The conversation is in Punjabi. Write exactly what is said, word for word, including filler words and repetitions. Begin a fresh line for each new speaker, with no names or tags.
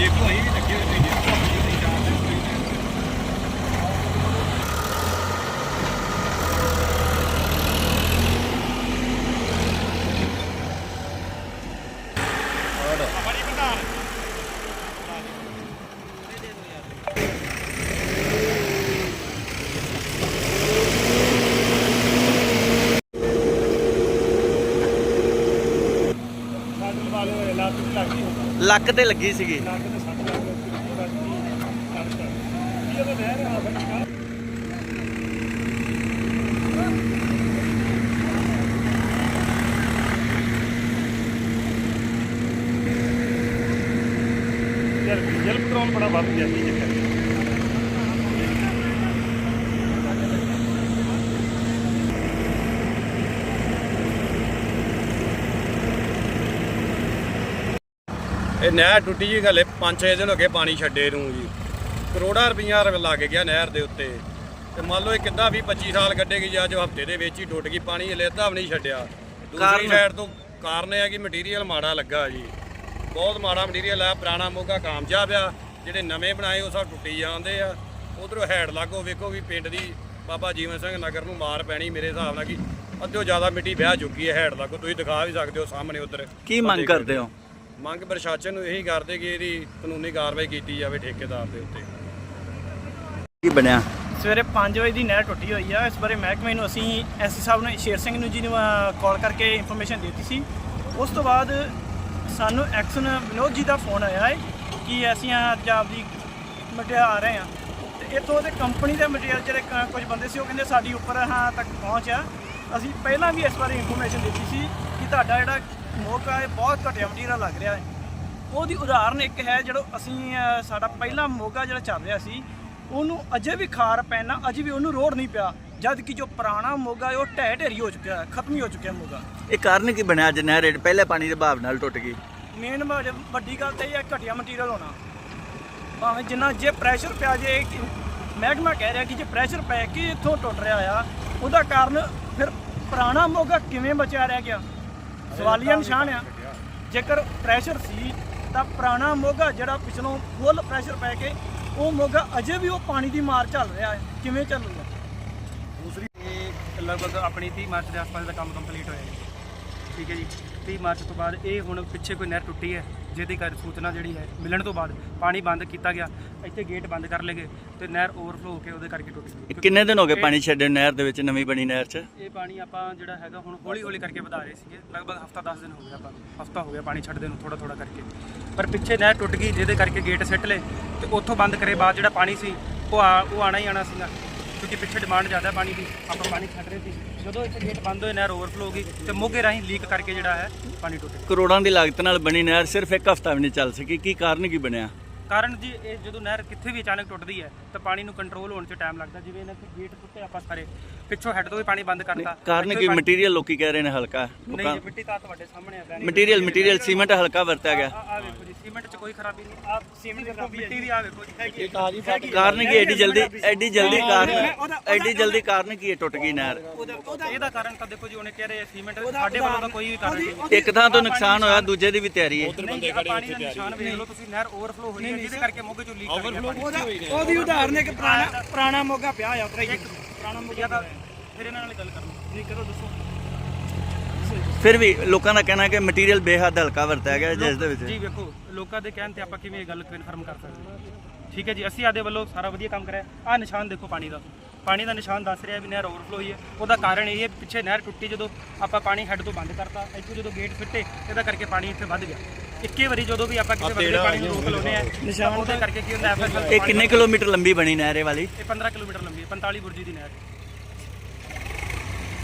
ਦੇਖੋ ਅਸੀਂ ਵੀ ਲੱਗੇ ਹੋਏ ਨੇ ਬੜੀ ਬੰਦਾ
ਲੱਕ ਤੇ ਲੱਗੀ ਸੀਗੀ।
ਡੀਜ਼ਲ ਪੈਟਰੋਲ ਬੜਾ ਵੱਧ ਗਿਆ ਸੀ ਚੱਕਰ ਇਹ ਨਹਿਰ ਟੁੱਟੀ ਜੀ ਹਲੇ ਪੰਜ ਛੇ ਦਿਨ ਹੋ ਗਏ ਪਾਣੀ ਛੱਡੇ ਨੂੰ ਜੀ। ਕਰੋੜਾਂ ਰੁਪਈਆ ਲੱਗ ਗਿਆ ਨਹਿਰ ਦੇ ਉੱਤੇ ਤੇ ਮੰਨ ਲਓ ਇਹ ਕਿੱਦਾਂ ਵੀਹ ਪੱਚੀ ਸਾਲ ਕੱਢੇਗੀ ਜੀ। ਅੱਜ ਹਫ਼ਤੇ ਦੇ ਵਿੱਚ ਹੀ ਟੁੱਟ ਗਈ, ਪਾਣੀ ਹਲੇ ਅੱਧਾ ਵੀ ਨਹੀਂ ਛੱਡਿਆ। ਦੂਸਰੀ ਸਾਈਡ ਤੋਂ ਕਾਰਨ ਇਹ ਹੈ ਕਿ ਮਟੀਰੀਅਲ ਮਾੜਾ ਲੱਗਾ ਜੀ, ਬਹੁਤ ਮਾੜਾ ਮਟੀਰੀਅਲ ਆ। ਪੁਰਾਣਾ ਮੋਗਾ ਕਾਮਯਾਬ ਆ, ਜਿਹੜੇ ਨਵੇਂ ਬਣਾਏ ਉਹ ਸਭ ਟੁੱਟੀ ਜਾਂਦੇ ਆ। ਉਧਰੋਂ ਹੈਡ ਲਾਗੋ ਵੇਖੋ ਵੀ ਪਿੰਡ ਦੀ ਬਾਬਾ ਜੀਵਨ ਸਿੰਘ ਨਗਰ ਨੂੰ ਮਾਰ ਪੈਣੀ ਮੇਰੇ ਹਿਸਾਬ ਨਾਲ ਕਿ ਅੱਧਿਓਂ ਜ਼ਿਆਦਾ ਮਿੱਟੀ ਵਹਿ ਚੁੱਕੀ ਹੈ ਹੈਡ ਲਾਗੋ। ਤੁਸੀਂ ਦਿਖਾ ਵੀ ਸਕਦੇ ਹੋ ਸਾਹਮਣੇ ਉਧਰ।
ਕੀ ਮੰਗ ਕਰਦੇ ਹੋ?
ਮੰਗ ਪ੍ਰਸ਼ਾਸਨ ਨੂੰ ਇਹੀ ਕਰਦੇ ਕਿ ਇਹਦੀ ਕਾਨੂੰਨੀ ਕਾਰਵਾਈ ਕੀਤੀ ਜਾਵੇ ਠੇਕੇਦਾਰ ਦੇ ਉੱਤੇ।
ਕੀ ਬਣਿਆ?
ਸਵੇਰੇ ਪੰਜ ਵਜੇ ਦੀ ਨਹਿਰ ਟੁੱਟੀ ਹੋਈ ਆ। ਇਸ ਬਾਰੇ ਮਹਿਕਮੇ ਨੂੰ ਅਸੀਂ ਐਸਸੀ ਸਾਹਿਬ ਨੇ ਸ਼ੇਰ ਸਿੰਘ ਨੂੰ ਜੀ ਨੂੰ ਕਾਲ ਕਰਕੇ ਇਨਫੋਰਮੇਸ਼ਨ ਦਿੱਤੀ ਸੀ। ਉਸ ਤੋਂ ਬਾਅਦ ਸਾਨੂੰ ਐਕਸ਼ਨ ਵਿਨੋਦ ਜੀ ਦਾ ਫੋਨ ਆਇਆ ਹੈ ਕਿ ਅਸੀਂ ਅੱਜ ਆਪਦੀ ਮਟਿਆਰ ਆ ਰਹੇ ਹਾਂ ਤੇ ਇੱਥੋਂ ਦੇ ਕੰਪਨੀ ਦੇ ਮਟੀਰੀਅਲ ਜਿਹੜੇ ਕ- ਕੁਝ ਬੰਦੇ ਸੀ ਉਹ ਕਹਿੰਦੇ ਸਾਡੀ ਉੱਪਰ ਹਾਂ ਤੱਕ ਪਹੁੰਚ ਆ। ਅਸੀਂ ਪਹਿਲਾਂ ਵੀ ਇਸ ਬਾਰੇ ਇਨਫੋਰਮੇਸ਼ਨ ਦਿੱਤੀ ਸੀ ਕਿ ਤੁਹਾਡਾ ਜਿਹੜਾ ਮੋਗਾ ਹੈ ਬਹੁਤ ਘਟੀਆ ਮਟੀਰੀਅਲ ਲੱਗ ਰਿਹਾ ਹੈ। ਉਹਦੀ ਉਦਾਹਰਨ ਇੱਕ ਹੈ ਜਦੋਂ ਅਸੀਂ ਅ, ਸਾਡਾ ਪਹਿਲਾ ਮੋਗਾ ਜਿਹੜਾ ਚੱਲ ਰਿਹਾ ਸੀ ਉਹਨੂੰ ਅਜੇ ਵੀ ਖਾਰ ਪੈਣਾ, ਅਜੇ ਵੀ ਉਹਨੂੰ ਰੋੜ ਨਹੀਂ ਪਿਆ, ਜਦ ਕਿ ਜੋ ਪੁਰਾਣਾ ਮੋਗਾ ਹੈ ਉਹ ਢਹਿ ਢੇਰੀ ਹੋ ਚੁੱਕਿਆ ਹੈ, ਖਤਮ ਹੀ ਹੋ ਚੁੱਕਿਆ ਮੋਗਾ।
ਇਹ ਕਾਰਨ ਕੀ ਬਣਿਆ ਅੱਜ ਨਹਿਰ ਪਹਿਲੇ ਪਾਣੀ ਦੇ ਬਹਾਵ ਨਾਲ ਟੁੱਟ ਗਈ?
ਮੇਨ ਵੱਡੀ ਗੱਲ ਤਾਂ ਇਹ ਹੈ ਘਟੀਆ ਮਟੀਰੀਅਲ ਹੋਣਾ। ਭਾਵੇਂ ਜਿੰਨਾ ਜੇ ਪ੍ਰੈਸ਼ਰ ਪਿਆ, ਜੇ ਮਹਿਕਮਾ ਕਹਿ ਰਿਹਾ ਕਿ ਜੇ ਪ੍ਰੈਸ਼ਰ ਪੈ ਕੇ ਇੱਥੋਂ ਟੁੱਟ ਰਿਹਾ ਆ, ਉਹਦਾ ਕਾਰਨ ਫਿਰ ਪੁਰਾਣਾ ਮੋਗਾ ਕਿਵੇਂ ਬਚਿਆ ਰਹਿ ਗਿਆ, ਸਵਾਲੀਆ ਨਿਸ਼ਾਨ ਆ। ਜੇਕਰ ਪ੍ਰੈਸ਼ਰ ਸੀ ਤਾਂ ਪੁਰਾਣਾ ਮੋਗਾ ਜਿਹੜਾ ਪਿਛਲੋਂ ਫੁੱਲ ਪ੍ਰੈਸ਼ਰ ਪੈ ਕੇ ਉਹ ਮੋਗਾ ਅਜੇ ਵੀ ਉਹ ਪਾਣੀ ਦੀ ਮਾਰ ਚੱਲ ਰਿਹਾ ਹੈ, ਕਿਵੇਂ ਚੱਲੂਗਾ?
ਦੂਸਰੀ ਇਹ ਲਗਭਗ ਆਪਣੀ ਤੀਹ ਮਾਰਚ ਦੇ ਆਸ-ਪਾਸ ਦਾ ਕੰਮ ਕੰਪਲੀਟ ਹੋਇਆ ਜੀ। ਠੀਕ ਹੈ ਜੀ, ਤੀਹ ਮਾਰਚ ਤੋਂ ਬਾਅਦ ਇਹ ਹੁਣ ਪਿੱਛੇ ਕੋਈ ਨਹਿਰ ਟੁੱਟੀ ਹੈ ਜਿਹਦੀ ਕਰ ਸੂਚਨਾ ਜਿਹੜੀ ਹੈ ਮਿਲਣ ਤੋਂ ਬਾਅਦ ਪਾਣੀ ਬੰਦ ਕੀਤਾ ਗਿਆ। ਇੱਥੇ ਗੇਟ ਬੰਦ ਕਰ ਲਏ ਗਏ ਤੇ ਨਹਿਰ ਓਵਰਫਲੋ ਹੋ ਕੇ ਉਹਦੇ ਕਰਕੇ ਟੁੱਟ ਗਈ।
ਕਿੰਨੇ ਦਿਨ ਹੋ ਗਏ ਪਾਣੀ ਛੱਡੇ ਨਹਿਰ ਦੇ ਵਿੱਚ, ਨਵੀਂ ਬਣੀ ਨਹਿਰ 'ਚ?
ਇਹ ਪਾਣੀ ਆਪਾਂ ਜਿਹੜਾ ਹੈਗਾ ਹੁਣ ਹੌਲੀ ਹੌਲੀ ਕਰਕੇ ਵਧਾ ਰਹੇ ਸੀਗੇ। ਲਗਭਗ ਹਫਤਾ ਦਸ ਦਿਨ ਹੋ ਗਿਆ, ਆਪਾਂ ਹਫਤਾ ਹੋ ਗਿਆ ਪਾਣੀ ਛੱਡਦੇ ਨੂੰ ਥੋੜਾ ਥੋੜਾ ਕਰਕੇ। ਪਰ ਪਿੱਛੇ ਨਹਿਰ ਟੁੱਟ ਗਈ ਜਿਹਦੇ ਕਰਕੇ ਗੇਟ ਸਿੱਟ ਲਏ ਤੇ ਉੱਥੋਂ ਬੰਦ ਕਰੇ ਬਾਅਦ ਜਿਹੜਾ ਪਾਣੀ ਸੀ ਉਹ ਆ ਉਹ ਆਣਾ ਹੀ ਆਣਾ ਸੀਗਾ, ਕਿਉਂਕਿ ਪਿੱਛੇ ਡਿਮਾਂਡ ਜ਼ਿਆਦਾ ਪਾਣੀ ਦੀ, ਆਪਾਂ ਪਾਣੀ ਛੱਡ ਰਹੇ ਸੀ। ਜਦੋਂ ਇੱਥੇ ਗੇਟ ਬੰਦ ਹੋਏ ਨਹਿਰ ਓਵਰਫਲੋ ਹੋ ਗਈ ਤੇ ਮੋਗੇ ਰਾਹੀਂ ਲੀਕ ਕਰਕੇ ਜਿਹੜਾ ਹੈ ਪਾਣੀ ਟੁੱਟ ਗਿਆ।
ਕਰੋੜਾਂ ਦੀ ਲਾਗਤ ਨਾਲ ਬਣੀ ਨਹਿਰ ਸਿਰਫ ਇੱਕ ਹਫ਼ਤਾ ਵੀ ਨਹੀਂ ਚੱਲ ਸਕੀ, ਕੀ ਕਾਰਨ ਕੀ ਬਣਿਆ?
ਕਾਰਨ ਜੀ ਇਹ ਜਦੋਂ ਨਹਿਰ ਕਿੱਥੇ ਵੀ ਅਚਾਨਕ ਟੁੱਟਦੀ ਹੈ ਤਾਂ ਪਾਣੀ ਨੂੰ ਕੰਟਰੋਲ ਹੋਣ 'ਚ ਟਾਈਮ ਲੱਗਦਾ। ਜਿਵੇਂ ਇਹਨਾਂ ਦੇ ਗੇਟ ਟੁੱਟੇ ਆਪਾਂ ਸਾਰੇ ਪਿੱਛੋਂ ਹੈੱਡ ਤੋਂ ਵੀ ਪਾਣੀ ਬੰਦ ਕਰਤਾ।
ਕਾਰਨ ਕੀ? ਮਟੀਰੀਅਲ ਲੋਕੀ ਕਹਿ ਰਹੇ ਨੇ ਹਲਕਾ।
ਨਹੀਂ ਜੀ, ਮਿੱਟੀ ਤਾਂ ਤੁਹਾਡੇ ਸਾਹਮਣੇ ਆ।
ਮਟੀਰੀਅਲ ਮਟੀਰੀਅਲ ਸੀਮੈਂਟ ਹਲਕਾ ਵਰਤਿਆ ਗਿਆ।
ਆ ਵੇਖੋ ਜੀ, ਸੀਮੈਂਟ 'ਚ ਕੋਈ ਖਰਾਬੀ ਨਹੀਂ। ਆਪ ਸੀਮੈਂਟ ਦੀ ਮਿੱਟੀ ਵੀ ਆ ਵੇਖੋ ਜੀ ਹੈਗੀ।
ਕਾਰਨ ਕੀ ਐਡੀ ਜਲਦੀ ਐਡੀ ਜਲਦੀ ਕਾਰਨ ਐਡੀ ਜਲਦੀ ਕਾਰਨ ਕੀ ਹੈ ਟੁੱਟ ਗਈ ਨਹਿਰ?
ਇਹਦਾ ਕਾਰਨ ਤਾਂ ਦੇਖੋ ਜੀ, ਉਹਨੇ ਕਹਿ ਰਹੇ ਸੀਮੈਂਟ, ਸਾਡੇ ਵੱਲੋਂ ਤਾਂ ਕੋਈ ਵੀ ਕਾਰਨ ਨਹੀਂ।
ਇੱਕ ਥਾਂ ਤੋਂ ਨੁਕਸਾਨ ਹੋਇਆ, ਦੂਜੇ ਦੀ ਵੀ ਤਿਆਰੀ ਹੈ।
ਨਹੀਂ ਜੀ, ਆਹ ਪਾਣੀ ਦਾ ਨਿਸ਼ਾਨ ਵੇਖ ਲਓ ਤੁਸੀਂ, ਨਹਿਰ ਓਵਰਫਲੋ ਹੋਈ ਹੈ ਜਿਹਦੇ ਕਰਕੇ ਮੋਗੇ 'ਚੋਂ ਲੀਕ ਕਰ ਗਿਆ ਪਾਣੀ।
ਉਹਦੀ ਉਦਾਹਰਨ ਹੈ ਕਿ ਪੁਰਾਣਾ ਪੁਰਾਣਾ ਮੋਗਾ ਪਿਆ ਆ ਉੱਤਰਾ ਹੀ।
ਪੁਰਾਣਾ ਮੋਗਾ ਤਾਂ ਫਿਰ ਇਹਨਾਂ ਨਾਲ ਗੱਲ ਕਰਨੀ ਨਹੀਂ ਕਰੋ, ਦੱਸੋ।
ਫਿਰ ਵੀ ਲੋਕਾਂ ਦਾ ਕਹਿਣਾ ਹੈ ਕਿ ਮਟੀਰੀਅਲ ਬੇਹੱਦ ਹਲਕਾ ਵਰਤਿਆ ਗਿਆ ਜਿਸ ਦੇ ਵਿੱਚ।
ਜੀ ਵੇਖੋ, ਲੋਕਾਂ ਦੇ ਕਹਿਣ ਤੇ ਆਪਾਂ ਕਿਵੇਂ ਇਹ ਗੱਲ ਕਨਫਰਮ ਕਰ ਸਕਦੇ ਹਾਂ? ਠੀਕ ਹੈ ਜੀ, ਅਸੀਂ ਆਦੇ ਵੱਲੋਂ ਸਾਰਾ ਵਧੀਆ ਕੰਮ ਕਰਿਆ। ਆਹ ਨਿਸ਼ਾਨ ਦੇਖੋ ਪਾਣੀ ਦਾ, ਪਾਣੀ ਦਾ ਨਿਸ਼ਾਨ ਦੱਸ ਰਿਹਾ ਵੀ ਨਹਿਰ ਓਵਰਫਲੋ ਹੋਈ ਹੈ। ਉਹਦਾ ਕਾਰਨ ਇਹ ਹੈ ਪਿੱਛੇ ਨਹਿਰ ਟੁੱਟੀ, ਜਦੋਂ ਆਪਾਂ ਪਾਣੀ ਹੈੱਡ ਤੋਂ ਬੰਦ ਕਰਤਾ, ਇੱਥੋਂ ਜਦੋਂ ਗੇਟ ਫਿੱਟੇ ਇਹਦਾ ਕਰਕੇ ਪਾਣੀ ਇੱਥੇ ਵੱਧ ਗਿਆ। ਇੱਕੇ ਵਾਰੀ ਜਦੋਂ ਵੀ ਆਪਾਂ ਕਿਸੇ ਵੱਡੇ ਪਾਣੀ ਨੂੰ ਰੋਕ ਲਾਉਂਦੇ ਆ ਨਿਸ਼ਾਨ, ਉਹਦੇ ਕਰਕੇ ਕੀ ਹੁੰਦਾ ਹੈ?
ਇਹ ਕਿੰਨੇ ਕਿਲੋਮੀਟਰ ਲੰਬੀ ਬਣੀ ਨਹਿਰ ਇਹ ਵਾਲੀ?
ਇਹ ਪੰਦਰਾਂ ਕਿਲੋਮੀਟਰ ਲੰਬੀ ਹੈ, ਪੰਤਾਲੀ ਬੁਰਜੀ ਦੀ ਨਹਿਰ।